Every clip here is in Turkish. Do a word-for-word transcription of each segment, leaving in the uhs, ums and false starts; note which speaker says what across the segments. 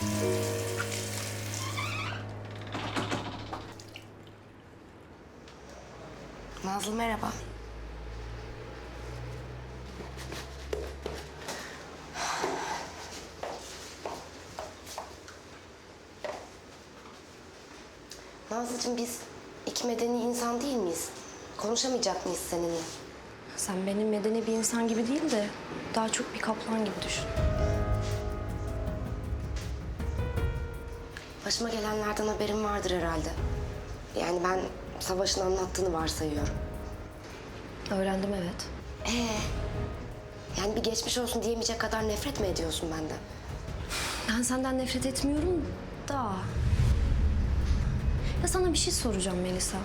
Speaker 1: Nazlı merhaba. Nazlıcığım biz iki medeni insan değil miyiz? Konuşamayacak mıyız seninle?
Speaker 2: Sen benim medeni bir insan gibi değil de daha çok bir kaplan gibi düşün.
Speaker 1: Başıma gelenlerden haberin vardır herhalde. Yani ben Savaş'ın anlattığını varsayıyorum.
Speaker 2: Öğrendim evet.
Speaker 1: Ee, yani bir geçmiş olsun diyemeyecek kadar nefret mi ediyorsun benden?
Speaker 2: Ben senden nefret etmiyorum da. Ya sana bir şey soracağım Melisa.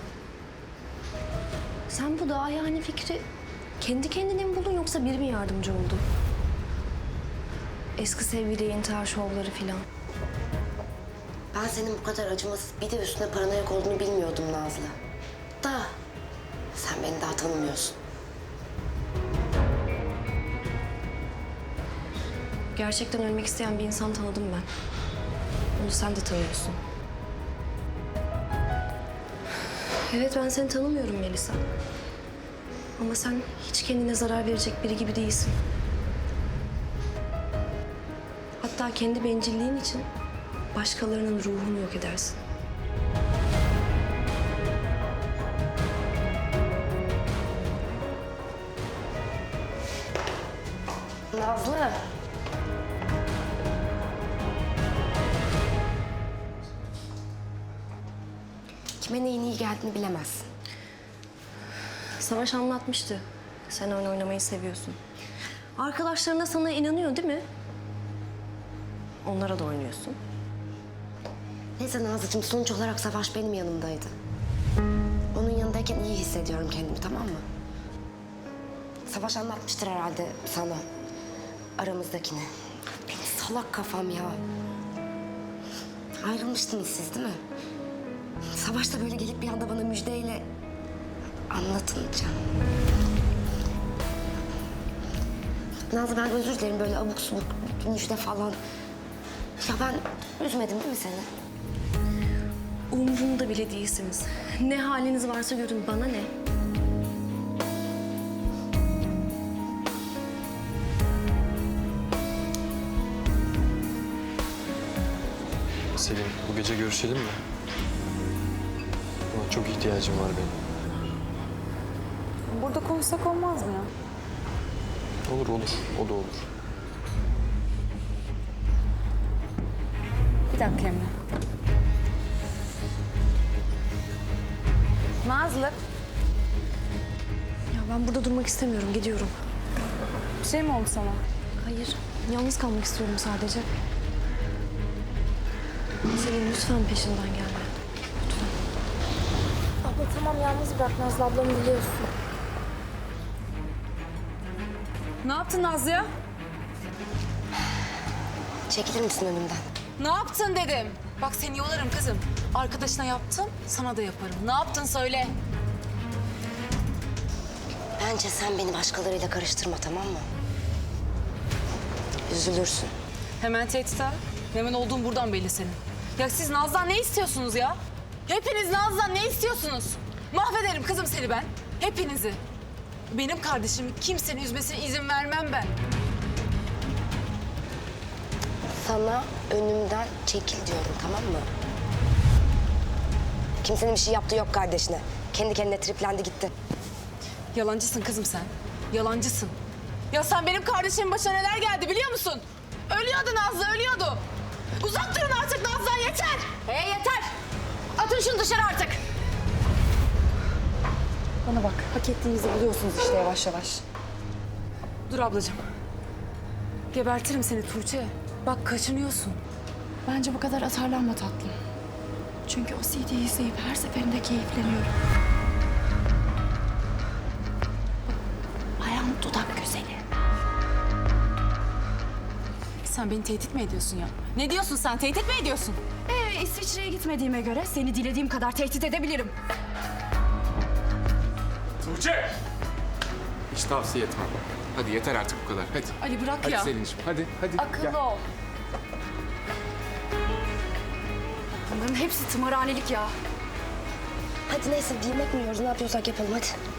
Speaker 2: Sen bu daha yani fikri kendi kendine mi buldun yoksa biri mi yardımcı oldu? Eski sevgili intihar şovları filan.
Speaker 1: Ben senin bu kadar acımasız bir de üstüne paranoyak olduğunu bilmiyordum Nazlı. Da sen beni daha tanımıyorsun.
Speaker 2: Gerçekten ölmek isteyen bir insan tanıdım ben. Onu sen de tanıyorsun. Evet ben seni tanımıyorum Melisa. Ama sen hiç kendine zarar verecek biri gibi değilsin. Hatta kendi bencilliğin için başkalarının ruhunu yok edersin.
Speaker 1: Nazlı. Kime neyin iyi geldiğini bilemezsin.
Speaker 2: Savaş anlatmıştı. Sen oyun oynamayı seviyorsun. Arkadaşların da sana inanıyor değil mi? Onlara da oynuyorsun.
Speaker 1: Neyse Nazlıcığım sonuç olarak Savaş benim yanımdaydı. Onun yanındayken iyi hissediyorum kendimi, tamam mı? Savaş anlatmıştır herhalde sana aramızdakini. Benim salak kafam ya. Ayrılmıştınız siz değil mi? Savaş da böyle gelip bir anda bana müjdeyle anlatınca. Nazlı ben özür dilerim böyle abuk subuk müjde falan. Ya ben üzmedim değil mi seni?
Speaker 2: Umurumda bile değilsiniz. Ne haliniz varsa görün, bana ne?
Speaker 3: Selin, bu gece görüşelim mi? Buna çok ihtiyacım var benim.
Speaker 4: Burada konuşsak olmaz mı ya?
Speaker 3: Olur olur, o da olur.
Speaker 4: Bir dakika Emre. Nazlı,
Speaker 2: Ya ben burada durmak istemiyorum, gidiyorum.
Speaker 4: bir şey mi oldu sana?
Speaker 2: Hayır, yalnız kalmak istiyorum sadece. Selin lütfen peşinden gelme.
Speaker 5: Abla tamam yalnız bırak Nazlı ablamı biliyorsun.
Speaker 4: Ne yaptın Nazlı'ya?
Speaker 1: Çekilir misin önümden?
Speaker 4: Ne yaptın dedim. Bak seni yolarım kızım. Arkadaşına yaptım, sana da yaparım. Ne yaptın söyle.
Speaker 1: Bence sen beni başkalarıyla karıştırma, tamam mı? Üzülürsün.
Speaker 4: Hemen tehdit ha. Hemen olduğun buradan belli senin. Ya siz Naz'dan ne istiyorsunuz ya? Hepiniz Naz'dan ne istiyorsunuz? Mahvederim kızım seni ben. Hepinizi. Benim kardeşimi kimsenin üzmesine izin vermem ben.
Speaker 1: Sana önümden çekil diyorum, tamam mı? Kimsenin bir şey yaptığı yok kardeşine. Kendi kendine triplendi gitti.
Speaker 4: Yalancısın kızım sen. Yalancısın. Ya sen benim kardeşimin başına neler geldi biliyor musun? Ölüyordu Nazlı, ölüyordu. Uzak durun artık Nazlı'dan yeter.
Speaker 5: Hey yeter! Atın şunu dışarı artık!
Speaker 4: Bana bak, hak ettiğinizi buluyorsunuz işte yavaş yavaş. Dur ablacığım. Gebertirim seni Tuğçe. Bak kaçınıyorsun.
Speaker 6: Bence bu kadar atarlanma tatlım. Çünkü o C D'yi izleyip her seferinde keyifleniyorum. Bayan dudak güzeli.
Speaker 4: Sen beni tehdit mi ediyorsun ya? Ne diyorsun sen? Tehdit mi ediyorsun?
Speaker 6: Ee, İsviçre'ye gitmediğime göre seni dilediğim kadar tehdit edebilirim.
Speaker 7: Tuğçe! Hiç tavsiye etmem. Hadi yeter artık bu kadar. Hadi.
Speaker 4: Ali bırak
Speaker 7: Hadi
Speaker 4: ya.
Speaker 7: Selin'ciğim. Hadi, hadi.
Speaker 5: Akıllı
Speaker 7: Gel.
Speaker 5: ol.
Speaker 6: hepsi tımarhanelik ya.
Speaker 1: Hadi neyse bir yemek mi yiyoruz ne yapıyorsak yapalım hadi.